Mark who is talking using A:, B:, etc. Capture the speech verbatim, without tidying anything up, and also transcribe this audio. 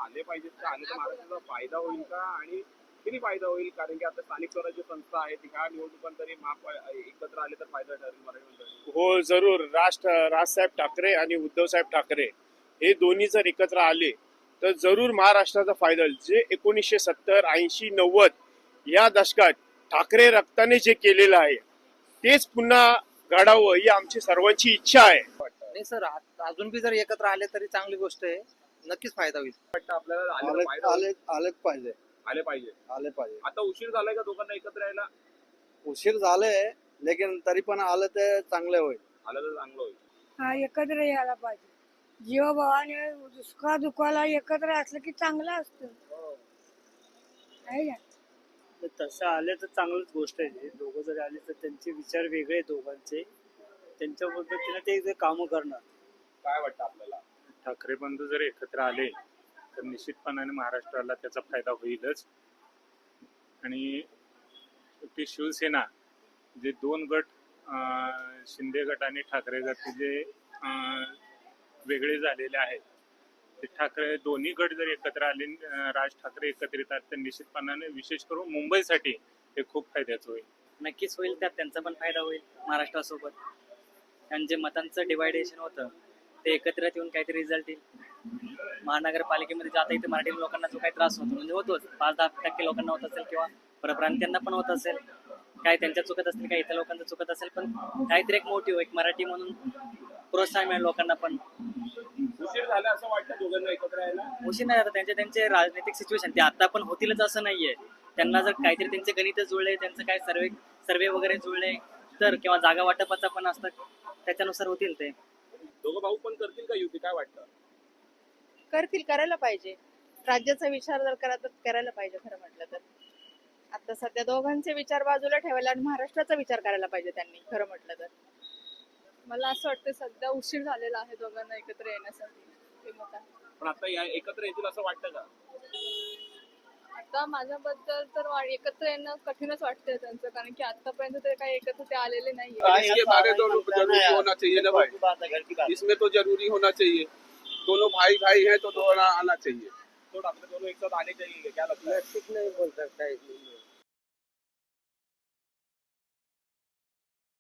A: आले पाहिजेत का, आले तर महाराष्ट्राचा फायदा होईल का आणि किती फायदा होईल? कारण की आता स्थानिक स्वराज्य संस्था आहेत ह्या निवडणुकांत तरी महा एकत्र आले तर फायदा ठरेल मराठी मंडळी.
B: हो जरूर. राज राजसाहेब ठाकरे आणि उद्धवसाहेब ठाकरे हे दोन्ही जर एकत्र आले तर जरूर महाराष्ट्राचा फायदा होईल. जे एकोणीसशे सत्तर ऐंशी नव्वद या दशकात ठाकरे रक्ताने जे केलेलं आहे तेच पुन्हा घडावं ही आमची सर्वांची इच्छा आहे.
C: नाही सर, आ- अजून बी जर एकत्र आले तरी चांगली गोष्ट आहे, नक्कीच फायदा होईल.
A: वाटतं आपल्याला आले तर
D: आले
A: फायदा होईल?
D: आले आलेच पाहिजे
A: आले पाहिजे.
D: आले पाहिजे.
A: आता उशीर झालाय का दोघांना एकत्र यायला?
D: उशीर झाले लेकिन तरी पण आलं ते चांगले होईल.
A: आलं तर चांगलं होईल.
E: हा एकत्र यायला पाहिजे. जीवाभावाने दुष्काळ दुखाला एकत्र असलं की चांगलं असतं. आहे का?
F: तर तसं आले तर चांगलीच गोष्ट आहे. दोघं जरी आले तर त्यांचे विचार वेगळे आहेत दोघांचे. त्यांच्या पद्धतीने ते जे कामं करणार.
A: काय वाटतं आपल्याला?
G: ठाकरे बंधू जर एकत्र आले तर निश्चितपणाने महाराष्ट्राला त्याचा फायदा होईलच. आणि ती शिवसेना जे दोन गट अं, शिंदे गट आणि ठाकरे गट जे अं, वेगळे झालेले आहेत ते ठाकरे दोन्ही गट जर एकत्र आले, अं, राज ठाकरे एकत्रित आले तर निश्चितपणाने विशेष करून मुंबईसाठी हे खूप फायद्याचं होईल.
H: नक्कीच होईल. त्यात त्यांचा पण फायदा होईल महाराष्ट्रासोबत. आणि जे मतांचं डिवायडेशन होतं ते एकत्रित येऊन काहीतरी रिझल्ट येईल. महानगरपालिकेमध्ये जाता इथे मराठी लोकांना जो काही त्रास होतो म्हणजे होतोच, पाच दहा टक्के लोकांना होत असेल किंवा परप्रांतीयांना पण होत असेल, काय त्यांच्या चुकत असतील काय इतर लोकांचं चुकत असेल, पण काहीतरी एक मोटिव्ह एक मराठी म्हणून प्रोत्साहन मिळेल लोकांना. पण
A: उशीर झाला असं वाटतं दोघांना एकत्र यायला?
H: उशीर नाही आता त्यांचे त्यांचे राजनैतिक सिच्युएशन ते आता पण होतीलच असं नाहीये. त्यांना जर काहीतरी त्यांचे गणित जुळले, त्यांचं काय सर्वे सर्वे वगैरे जुळले तर किंवा जागा वाटपाचा पण असतं त्याच्यानुसार होतील ते.
A: दोघं भाऊ पण करतील का युती? काय वाटतं?
I: करतील, करायला पाहिजे. राज्याचा विचार जर करा तर करायला पाहिजे. खरं म्हटलं तर आता सध्या दोघांचे विचार बाजूला ठेवायला आणि महाराष्ट्राचा विचार करायला पाहिजे त्यांनी. खरं म्हटलं तर
J: मला असं वाटतं सध्या उशीर झालेला आहे दोघांना एकत्र येण्यासाठी. ते मत आहे.
A: पण आता या एकत्र येतील असं वाटतं का?
J: आता माझ्याबद्दल तर वा- एकत्र येणं कठीणच वाटतंय त्यांचं, कारण की आतापर्यंत ते काही एकत्र ते आलेले नाहीये.
K: इसके बारे तो जरूरी होना चाहिए ना भाई, इसमें तो जरूरी होना चाहिए. दोनों भाई भाई हैं तो दोनों आना चाहिए.
A: तो आपले दोनों एक साथ आने चाहिए, क्या लगता है?
C: नक्कीच नाही बोल सकता है.